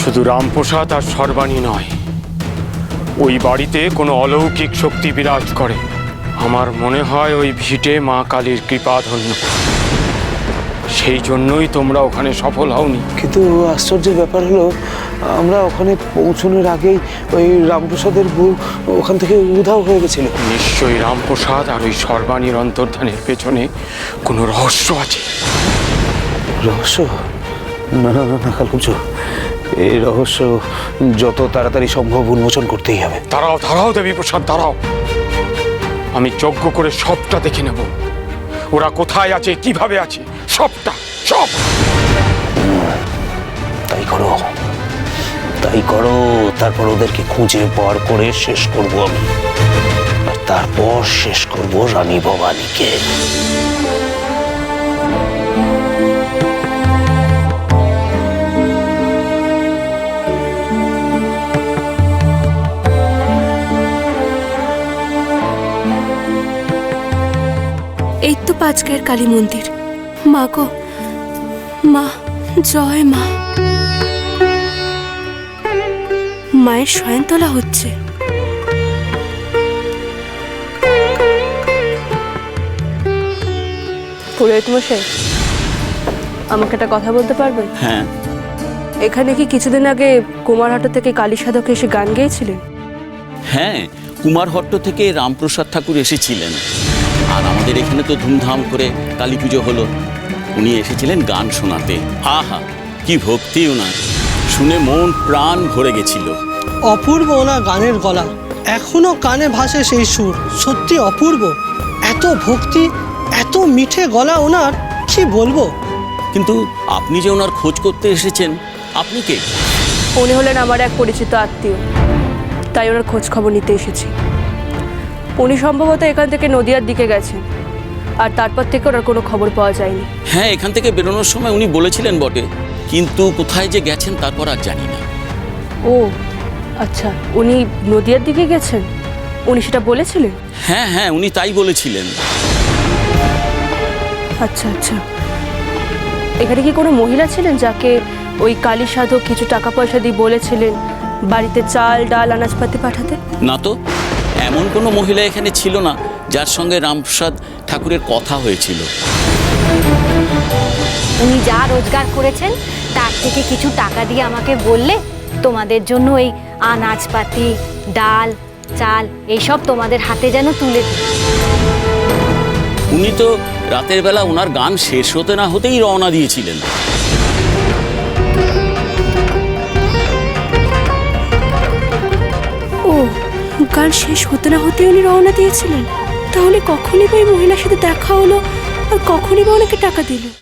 শুধু রামপ্রসাদ আর সর্বাণী নয়, ওই বাড়িতে কোনো অলৌকিক শক্তি বিরাজ করে। আমার মনে হয় ওই ভিটে মা কালীর কৃপাধন্য। সেই জন্যই তোমরা ওখানে সফল হওনি। কিন্তু আশ্চর্যের ব্যাপার হলো, আমরা ওখানে পৌঁছানোর আগেই ওই রামপ্রসাদের বউ ওখান থেকে উধাও হয়ে গেছিল। নিশ্চয়ই রামপ্রসাদ আর ওই সর্বাণীর অন্তর্ধানের পেছনে কোনো রহস্য আছে। রহস্য? না না না না কালকুঞ্জ, এই রহস্য যত তাড়াতাড়ি সম্ভব উন্মোচন করতেই হবে। দাঁড়াও দাঁড়াও দেবীপ্রসাদ, দাঁড়াও। আমি যজ্ঞ করে সবটা দেখে নেব। ওরা কোথায় আছে, কিভাবে আছে, সবটা, সব। তাই করো, তাই করো। তারপর ওদেরকে খুঁজে বার করে শেষ করব আমি, আর তারপর শেষ করব রানী ভবানীকে। এই তো পাঁচগাঁয়ের কালী মন্দির। মা গো মা, জয় মা। মায়ের শয়ন তোলা হচ্ছে। পুরোহিত মশাই, আমাকে একটা কথা বলতে পারবেন? হ্যাঁ। এখানে কি কিছুদিন আগে কুমারহাটা থেকে কালী সাধক এসে গান গেয়েছিলেন? হ্যাঁ, কুমারহট্ট থেকে রামপ্রসাদ ঠাকুর এসেছিলেন। আর আমাদের এখানে তো ধুমধাম করে কালী পুজো হলো। উনি এসেছিলেন গান শোনাতে। আহা, কি ভক্তি ওনার! শুনে মন প্রাণ ভরে গেছিল। অপূর্ব ওনার গানের গলা, এখনো কানে ভাসে সেই সুর। সত্যি অপূর্ব। এত ভক্তি, এত মিঠে গলা ওনার, কি বলবো। কিন্তু আপনি যে ওনার খোঁজ করতে এসেছেন, আপনি কে? উনি হলেন আমার এক পরিচিত আত্মীয়, তাই ওনার খোঁজ খবর নিতে এসেছি। উনি সম্ভবত এখান থেকে নদিয়ার দিকে গেছেন, আর তারপর থেকে ওনার কোনো খবর পাওয়া যায়নি। হ্যাঁ, এখান থেকে বেরোনোর সময় উনি বলেছিলেন বটে, কিন্তু কোথায় যে গেছেন তারপর আর জানি না। ও আচ্ছা, উনি নদিয়ার দিকে গেছেন? উনি সেটা বলেছিলেন? হ্যাঁ হ্যাঁ, উনি তাই বলেছিলেন। আচ্ছা আচ্ছা, এখানে কি কোনো মহিলা ছিলেন যাকে ওই কালী সাধক কিছু টাকা পয়সা দিয়ে বলেছিলেন বাড়িতে চাল ডাল আনাজপাতি পাঠাতে? না তো, এমন কোনো মহিলা এখানে ছিল না যার সঙ্গে রামপ্রসাদ ঠাকুরের কথা হয়েছিল। উনি যা রোজগার করেছেন তার থেকে কিছু টাকা দিয়ে আমাকে বললে তোমাদের জন্য এই আনাজপাতি ডাল চাল এইসব তোমাদের হাতে যেন তুলে দিই। উনি তো রাতের বেলা ওনার গান শেষ হতে না হতেই রওনা দিয়েছিলেন। ও, গান শেষ হতে না হতে উনি রওনা দিয়েছিলেন? তাহলে কখনই বা ওই মহিলার সাথে দেখা হলো, আর কখনই বা ওনাকে টাকা দিল?